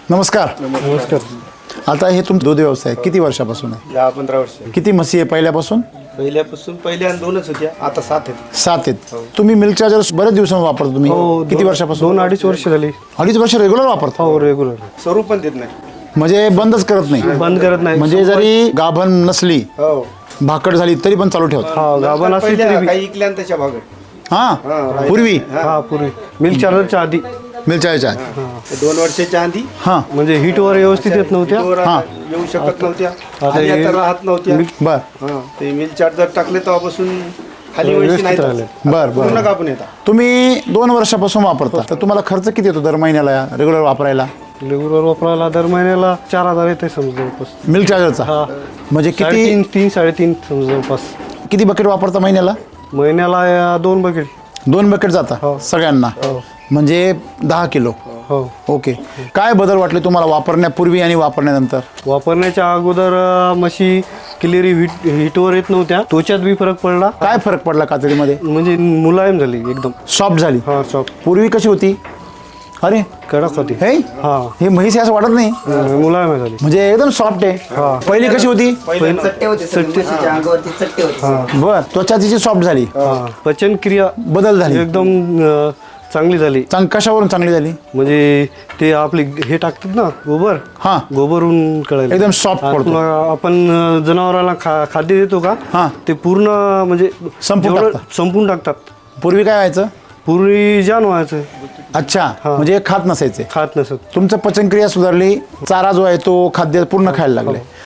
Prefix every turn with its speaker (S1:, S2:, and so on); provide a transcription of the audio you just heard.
S1: नमस्कार.
S2: नमस्कार.
S1: आता हे तुमचा दूध व्यवसाय किती वर्षापासून आहे?
S2: 10-15 वर्ष
S1: किती म्हशी आहे पहिल्यापासून?
S2: पहिल्या 2च होत्या, आता 7 आहेत.
S1: 7 आहेत. तुम्ही मिल्क चार्जर बरेच दिवसांनी वापरता तुम्ही? किती वर्षापासून?
S3: 2-2.5 वर्ष झाली.
S1: 2.5 वर्ष रेग्युलर वापरता?
S3: हो, रेग्युलर.
S2: स्वरूप पण देत नाही.
S1: म्हणजे बंदच करत नाही?
S3: बंद करत नाही.
S1: म्हणजे जरी गाभण नसली,
S2: हो,
S1: भाकड झाली तरी पण चालू ठेवता?
S3: हा, गाभण असली
S2: पहिल्या
S3: तरी बी.
S2: काही इकल्या त्याच्या भागात
S1: हा, पूर्वी
S3: हा, पूर्वी मिल्क चार्जरच्या आधी
S1: मिल्क चार्जर.
S2: 2 वर्षाच्या आधी
S1: हा,
S3: म्हणजे हीटवर व्यवस्थित येत नव्हत्या.
S2: वर
S1: हा.
S2: येऊ शकत नव्हत्या,
S3: आता
S2: खाली
S3: हे-
S2: आता राहत नव्हत्या.
S1: बर
S2: हा, ते मिल चार्जर टाकले तेव्हापासून खाली वळशी नाही
S3: व्यवस्थित राहिले.
S1: बर
S2: पूर्ण
S1: बर.
S2: कापून येतात.
S1: तुम्ही 2 वर्षापासून वापरता, तर तुम्हाला खर्च किती येतो दर महिन्याला रेग्युलर वापरायला
S3: रेग्युलर वापरायला दर महिन्याला 4,000 येते समजा जवळपास.
S1: मिल्क चार्जरचा?
S3: हा,
S1: म्हणजे किती
S3: 3-3.5 समजा जवळपास.
S1: किती बकेट वापरता महिन्याला?
S3: महिन्याला 2 बकेट.
S1: 2 बकेट जाता सगळ्यांना? म्हणजे 10 किलो.
S3: हो.
S1: ओके. काय बदल वाटले तुम्हाला वापरण्यापूर्वी आणि वापरण्यानंतर?
S3: वापरण्याच्या अगोदर म्हशी क्लिअरी हीटवर येत नव्हत्या. त्वचात बी फरक पडला.
S1: काय फरक पडला कातडीमध्ये?
S3: म्हणजे मुलायम झाली एकदम.
S1: सॉफ्ट झाली?
S3: हा, सॉफ्ट.
S1: पूर्वी कशी होती? अरे
S3: कडक होती.
S1: हे
S3: हा,
S1: हे म्हैस आहे असं वाटत नाही,
S3: मुलायम झाली.
S1: म्हणजे एकदम सॉफ्ट आहे. पहिली कशी होती?
S4: चट्टे होते म्हशीच्या अंगावरती चट्टे होते.
S1: बर, त्वचा तिची सॉफ्ट झाली,
S3: हा, पचन क्रिया
S1: बदल झाली.
S3: एकदम चांगली झाली.
S1: कशावरून चांगली झाली?
S3: म्हणजे ते आपले हे टाकतात ना गोबर,
S1: हा,
S3: गोबरून कळायला
S1: एकदम soft पडतो.
S3: आपण जनावरांना खाद्य देतो का,
S1: हा.
S3: ते पूर्ण म्हणजे
S1: संपून
S3: जेवढं
S1: टाकतात.
S3: संपून टाकतात.
S1: पूर्वी काय व्हायचं?
S3: पूर्वी जाण व्हायचं,
S1: अच्छा, म्हणजे खात नसायचे.
S3: खात नसत.
S1: तुमचं पचनक्रिया सुधारली, चारा जो आहे तो खाद्य पूर्ण खायला लागले.